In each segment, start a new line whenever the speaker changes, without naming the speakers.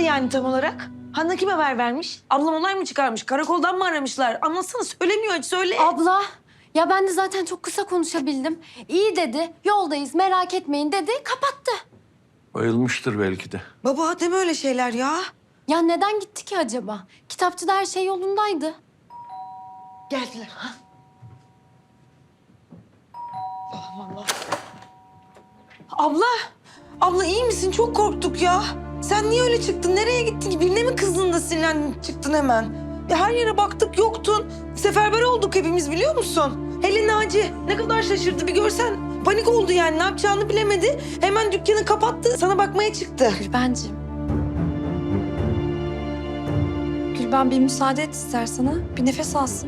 yani tam olarak? Hanna kim haber vermiş? Ablam olay mı çıkarmış? Karakoldan mı aramışlar? Anlatsana, söylemiyor hiç, söyle.
Abla, ya ben de zaten çok kısa konuşabildim. İyi dedi, yoldayız merak etmeyin dedi, kapattı.
Bayılmıştır belki de.
Baba deme öyle şeyler ya.
Ya neden gitti ki acaba? Kitapçıda her şey yolundaydı.
Geldiler. Ha? Allah Allah. Abla, abla iyi misin? Çok korktuk ya. Sen niye öyle çıktın? Nereye gittin? Birine mi kızdın da sinirlendin çıktın hemen? Ya her yere baktık yoktun. Seferber olduk hepimiz biliyor musun? Hele Naci ne kadar şaşırdı bir görsen. Panik oldu yani, ne yapacağını bilemedi. Hemen dükkanı kapattı, sana bakmaya çıktı.
Gülbenciğim.
Gülben bir müsaade et istersen ha. Bir nefes alsın.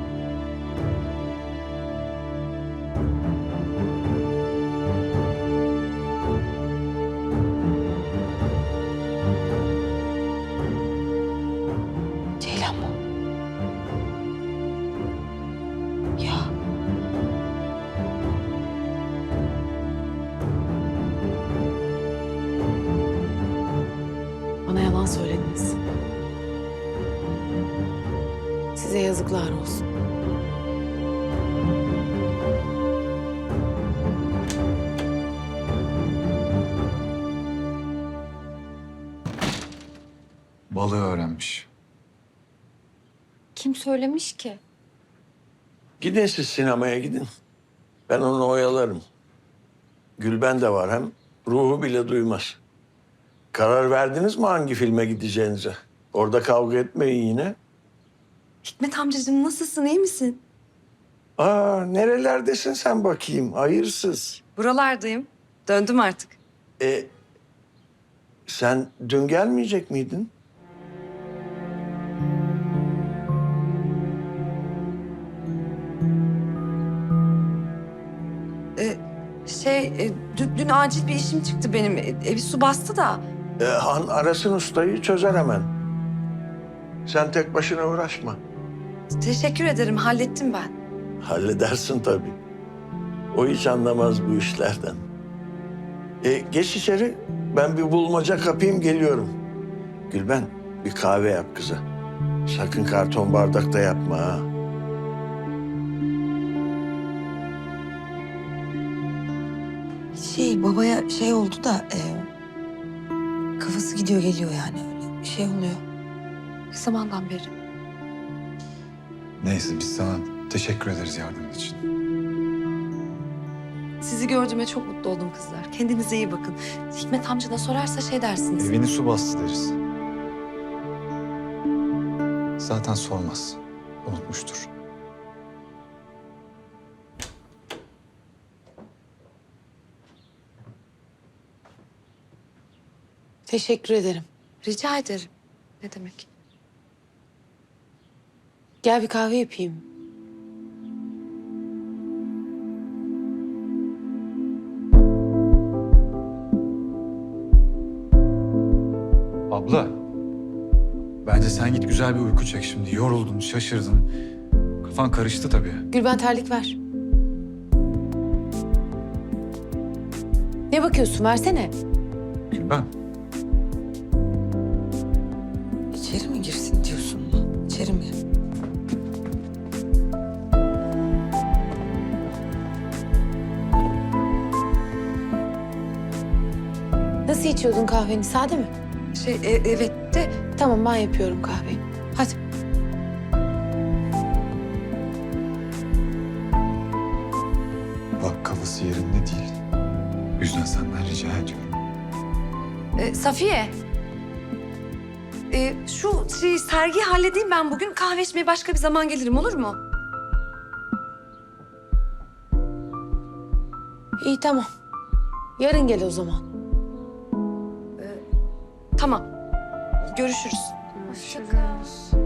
Ceylan mı? Ya.
Bana yalan söylediniz. Size yazıklar olsun.
Balığı öğrenmiş.
Kim söylemiş ki?
Gidin siz sinemaya gidin. Ben onu oyalarım. Gülben de var hem ruhu bile duymaz. Karar verdiniz mi hangi filme gideceğinize? Orada kavga etmeyin yine.
Hikmet amcacığım nasılsın, iyi misin?
Nerelerdesin sen bakayım? Hayırsız.
Buralardayım. Döndüm artık.
Sen dün gelmeyecek miydin?
Dün acil bir işim çıktı benim. Evi su bastı da.
Han arasın ustayı çözer hemen. Sen tek başına uğraşma.
Teşekkür ederim, hallettim ben.
Halledersin tabii. O hiç anlamaz bu işlerden. Geç içeri. Ben bir bulmaca kapayım geliyorum. Gülben bir kahve yap kıza. Sakın karton bardakta yapma ha.
Babaya şey oldu da kafası gidiyor geliyor yani, öyle bir şey oluyor.
Ne zamandan beri?
Neyse biz sana teşekkür ederiz yardımın için.
Sizi gördüğüme çok mutlu oldum kızlar. Kendinize iyi bakın. Hikmet amca da sorarsa şey dersiniz.
Evini su bastı deriz. Zaten sormaz. Unutmuştur.
Teşekkür ederim.
Rica ederim. Ne demek?
Gel bir kahve yapayım.
Abla. Bence sen git güzel bir uyku çek şimdi. Yoruldun, şaşırdın. Kafan karıştı tabii.
Gülben terlik ver. Ne bakıyorsun? Versene.
Gülben.
İçeri mi girsin diyorsun? İçeri mi?
Nasıl içiyordun kahveni? Sade mi?
Evet de
Tamam ben yapıyorum kahveyi. Hadi.
Bak kafası yerinde değil. O yüzden senden rica ediyorum.
Safiye. Şu sergiyi halledeyim ben bugün. Kahve içmeye başka bir zaman gelirim, olur mu?
İyi tamam. Yarın gel o zaman.
Tamam. Görüşürüz.
Hoşça kal.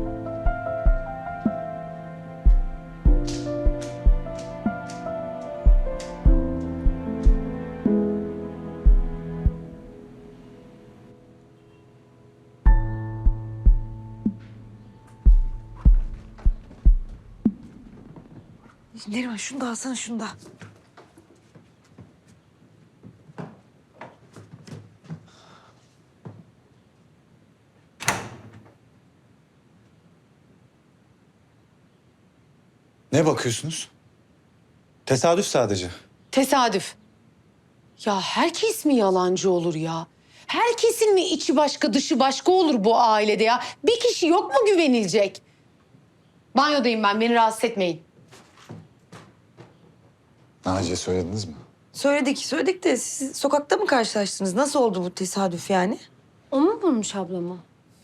Neriman şunu da alsana, şunu da.
Ne bakıyorsunuz? Tesadüf sadece.
Tesadüf. Ya herkes mi yalancı olur ya? Herkesin mi içi başka dışı başka olur bu ailede ya? Bir kişi yok mu güvenilecek? Banyodayım ben, beni rahatsız etmeyin.
Naciye söylediniz mi?
Söyledik de siz sokakta mı karşılaştınız? Nasıl oldu bu tesadüf yani?
O mu bulmuş ablamı?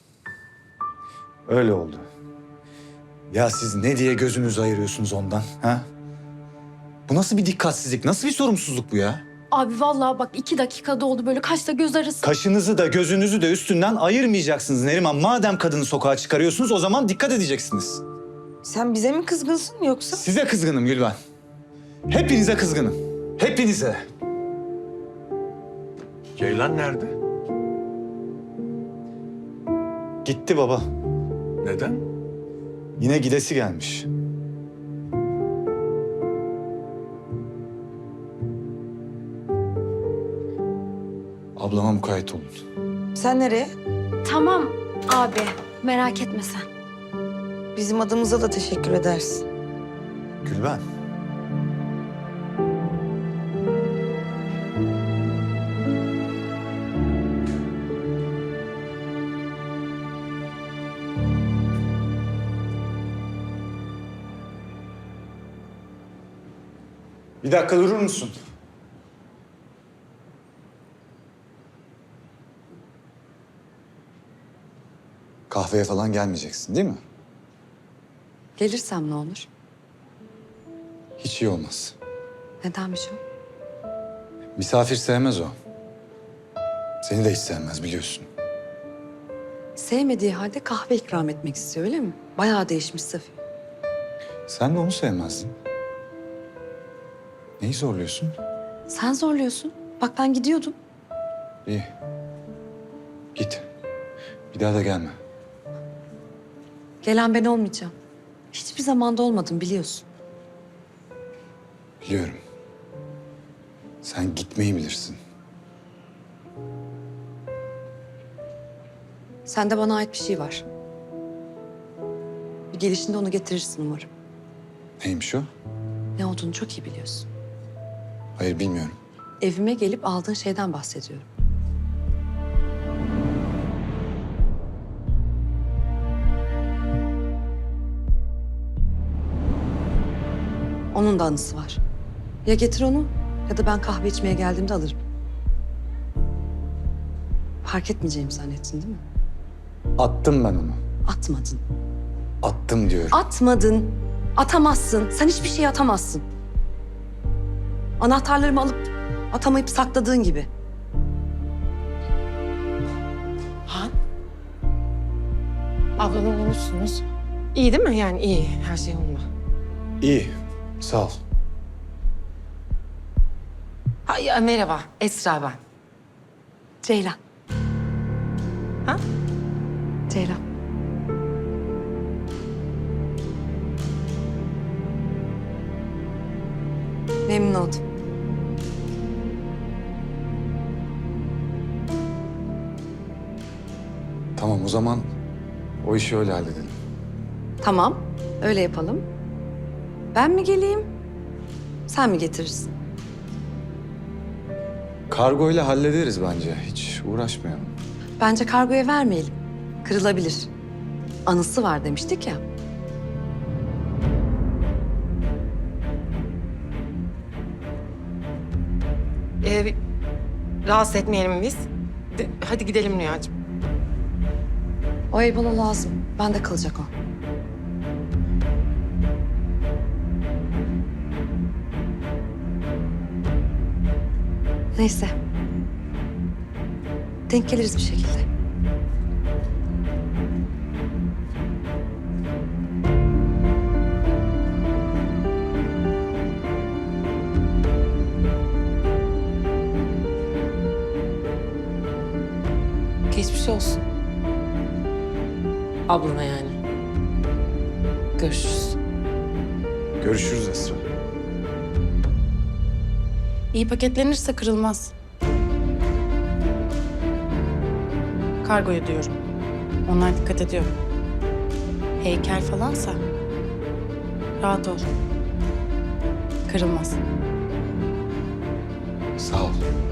Öyle oldu. Ya siz ne diye gözünüzü ayırıyorsunuz ondan, ha? Bu nasıl bir dikkatsizlik, nasıl bir sorumsuzluk bu ya?
Abi vallahi bak 2 dakikada oldu böyle kaşla göz arası.
Kaşınızı da gözünüzü de üstünden ayırmayacaksınız Neriman. Madem kadını sokağa çıkarıyorsunuz o zaman dikkat edeceksiniz.
Sen bize mi kızgınsın yoksa?
Size kızgınım Gülben. Hepinize kızgınım. Hepinize.
Ceylan nerede?
Gitti baba.
Neden?
Yine gidesi gelmiş. Ablama mukayyet olun.
Sen nereye?
Tamam abi merak etme sen.
Bizim adımıza da teşekkür edersin.
Gülben. Bir dakika durur musun? Kahveye falan gelmeyeceksin değil mi?
Gelirsem ne olur?
Hiç iyi olmaz.
Nedenmiş o?
Misafir sevmez o. Seni de hiç sevmez biliyorsun.
Sevmediği halde kahve ikram etmek istiyor öyle mi? Bayağı değişmiş Safiye.
Sen de onu sevmezdin. Neyi zorluyorsun?
Sen zorluyorsun. Bak ben gidiyordum.
İyi. Git. Bir daha da gelme.
Gelen ben olmayacağım. Hiçbir zamanda olmadım biliyorsun.
Biliyorum. Sen gitmeyi bilirsin.
Sende bana ait bir şey var. Bir gelişinde onu getirirsin umarım.
Neymiş o?
Ne olduğunu çok iyi biliyorsun.
Hayır bilmiyorum.
Evime gelip aldığın şeyden bahsediyorum. Onun da anısı var. Ya getir onu ya da ben kahve içmeye geldiğimde alırım. Fark etmeyeceğimi zannettin değil mi?
Attım ben onu.
Atmadın.
Attım diyorum.
Atmadın. Atamazsın. Sen hiçbir şey atamazsın. Anahtarlarımı alıp atamayıp sakladığın gibi.
Han? Ablanı bulmuşsunuz. İyi değil mi? Yani iyi. Her şey yolunda.
İyi. Sağ ol.
Merhaba. Esra ben.
Ceylan.
Ha?
Ceylan. Memnun oldum.
Tamam o zaman o işi öyle halledelim.
Tamam, öyle yapalım. Ben mi geleyim, sen mi getirirsin?
Kargoyla hallederiz bence. Hiç uğraşmayalım.
Bence kargoya vermeyelim. Kırılabilir. Anısı var demiştik ya.
Rahatsız etmeyelim biz. Hadi gidelim Rüyacığım.
O ev bana lazım. Bende kalacak o. Neyse. Denk geliriz bir şekilde.
Geçmiş olsun. Ablana yani. Görüşürüz.
Görüşürüz Esra.
İyi paketlenirse kırılmaz. Kargoya diyorum. Onlar dikkat ediyor. Heykel falansa rahat ol. Kırılmaz.
Sağ ol.